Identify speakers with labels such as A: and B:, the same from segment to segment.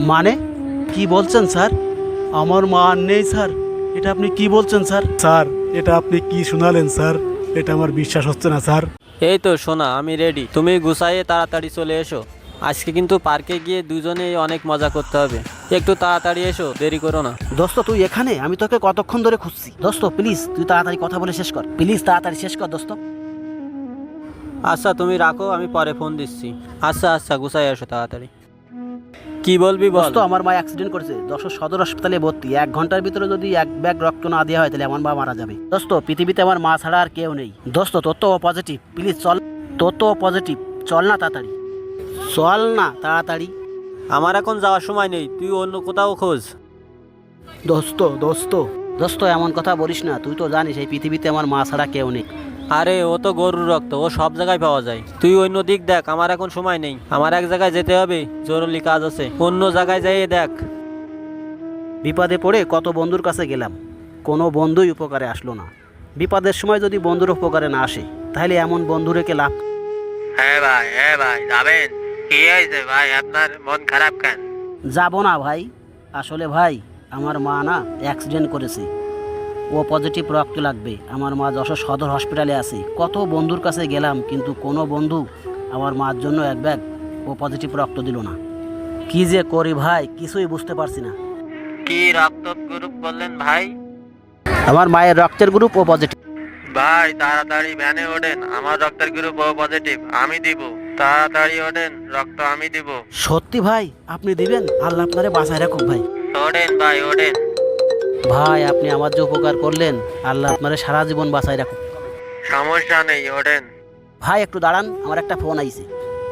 A: মানে কি বলছেন স্যার? আমার মা আর নেই স্যার, এটা আপনি কি বলছেন স্যার? স্যার, এটা আপনি কি শোনালেন স্যার? এটা আমার বিশ্বাস হচ্ছে না স্যার।
B: এই তো সোনা, আমি রেডি, তুমি গুছাইয়ে তাড়াতাড়ি চলে এসো। আজকে কিন্তু পার্কে গিয়ে দুজনেই অনেক মজা করতে হবে। একটু তাড়াতাড়ি এসো, দেরি করো না।
A: দোস্ত তুই এখানে? আমি তোকে কতক্ষণ ধরে খুঁজছি। দোস্ত প্লিজ তুই তাড়াতাড়ি কথা বলে শেষ কর, প্লিজ তাড়াতাড়ি শেষ কর দোস্ত।
B: আচ্ছা তুমি রাখো, আমি পরে ফোন দিচ্ছি। আচ্ছা আচ্ছা, গুছাই এসো তাড়াতাড়ি। কি বলবি বল।
A: দোস্ত আমার মা অ্যাক্সিডেন্ট করেছে, যশোর সদর হাসপাতালে ভর্তি। 1 ঘন্টার ভিতরে যদি 1 ব্যাগ রক্ত না দেওয়া হয় তাহলে আমার মা মারা যাবে। দোস্ত পৃথিবীতে আমার মা ছাড়া আর কেউ নেই। দোস্ত তোর তো পজিটিভ, প্লিজ চল। তোর তো পজিটিভ, চল না তাড়াতাড়ি, চল না তাড়াতাড়ি।
B: আমার এখন যাওয়ার সময় নেই, তুই অন্য কোথাও খোঁজ।
A: দোস্ত দোস্ত দোস্ত এমন কথা বলিস না, তুই তো জানিস এই পৃথিবীতে আমার মা ছাড়া কেউ নেই।
B: আরে ও তো গরুর রক্ত, ও সব জায়গায় পাওয়া যায়। তুই অন্য দিক দেখ, আমার এখন সময় নেই। আমার এক জায়গায় যেতে হবে, জরুরি কাজ আছে। অন্য জায়গায় যাইয়ে দেখ।
A: বিপদে পড়ে কত বন্ধুর কাছে গেলাম, কোনো বন্ধুই উপকারে আসলো না। বিপদের সময় যদি বন্ধুর উপকারে না আসে তাহলে এমন বন্ধু রেখে লাভ।
C: হ্যাঁ ভাই যাবেন? কি হয়েছে ভাই, আপনার মন খারাপ কেন?
A: যাব না ভাই, আসলে ভাই আমার মা না অ্যাক্সিডেন্ট করেছে, ও পজিটিভ রক্ত লাগবে। আমার মা যশোর সদর হসপিটালে আছে। কত বন্ধুর কাছে গেলাম কিন্তু কোনো বন্ধু আমার মার জন্য 1 ব্যাগ ও পজিটিভ রক্ত দিল না। কি যে করি ভাই কিছুই বুঝতে পারছি না।
C: কি রক্ত গ্রুপ বললেন ভাই?
A: আমার মায়ের রক্তের গ্রুপ ও পজিটিভ।
C: ভাই তাড়াতাড়ি ভ্যানে ওঠেন, আমার রক্তের গ্রুপ ও পজিটিভ, আমি দিব। তাড়াতাড়ি ওঠেন, রক্ত আমি দিব।
A: সত্যি ভাই আপনি দিবেন? আল্লাহ আপনারে বাঁচায় রাখুক ভাই।
C: ওঠেন ভাই ওঠেন।
A: ভাই আপনি আমার যে উপকার করলেন, আল্লাহ আপনারে সারা জীবন বাঁচায় রাখুক।
C: সমস্যা নেই, ওঠেন।
A: ভাই একটু দাঁড়ান, আমার একটা ফোন আইছে।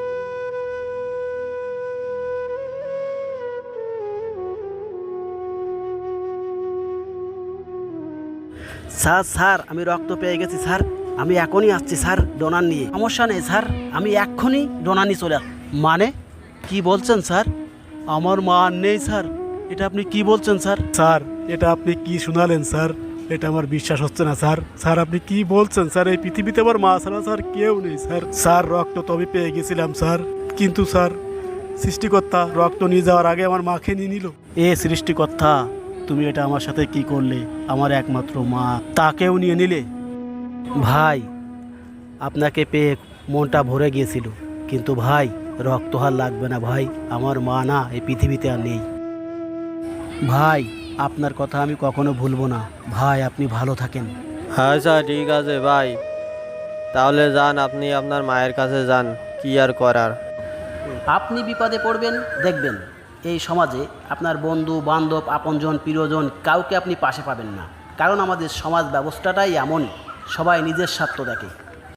A: স্যার স্যার আমি রক্ত পেয়ে গেছি স্যার, আমি এখনই আসছি স্যার ডোনার নিয়ে। সমস্যা নেই স্যার, আমি এক্ষুনি ডোনার নিয়ে চলে মানে কি বলছেন স্যার? আমার মা আর নেই স্যার, এটা আপনি কি বলছেন স্যার? স্যার, এটা আপনি কি শোনালেন স্যার? এটা আমার বিশ্বাস হচ্ছে না স্যার। স্যার আপনি কি বলছেন স্যার? এই পৃথিবীতে আমার মা ছাড়া স্যার কেউ নেই স্যার। স্যার রক্ত তো আমি পেয়ে গেছিলাম স্যার, কিন্তু স্যার সৃষ্টিকর্তা রক্ত নিয়ে যাওয়ার আগে আমার মাকে নিয়ে নিল। এ সৃষ্টিকর্তা, তুমি এটা আমার সাথে কি করলে? আমার একমাত্র মা, তাকেও নিয়ে নিলে। ভাই আপনাকে পেয়ে মনটা ভরে গিয়েছিল, কিন্তু ভাই রক্ত আর লাগবে না ভাই, আমার মা না এই পৃথিবীতে আর নেই। ভাই আপনার কথা আমি কখনো ভুলবো না ভাই, আপনি ভালো থাকেন।
B: আচ্ছা ঠিক আছে ভাই, তাহলে যান, আপনি আপনার মায়ের কাছে যান, কি আর করার।
A: আপনি বিপদে পড়বেন, দেখবেন এই সমাজে আপনার বন্ধু বান্ধব আপনজন প্রিয়জন কাউকে আপনি পাশে পাবেন না। কারণ আমাদের সমাজ ব্যবস্থাটাই এমন, সবাই নিজের স্বার্থ দেখে।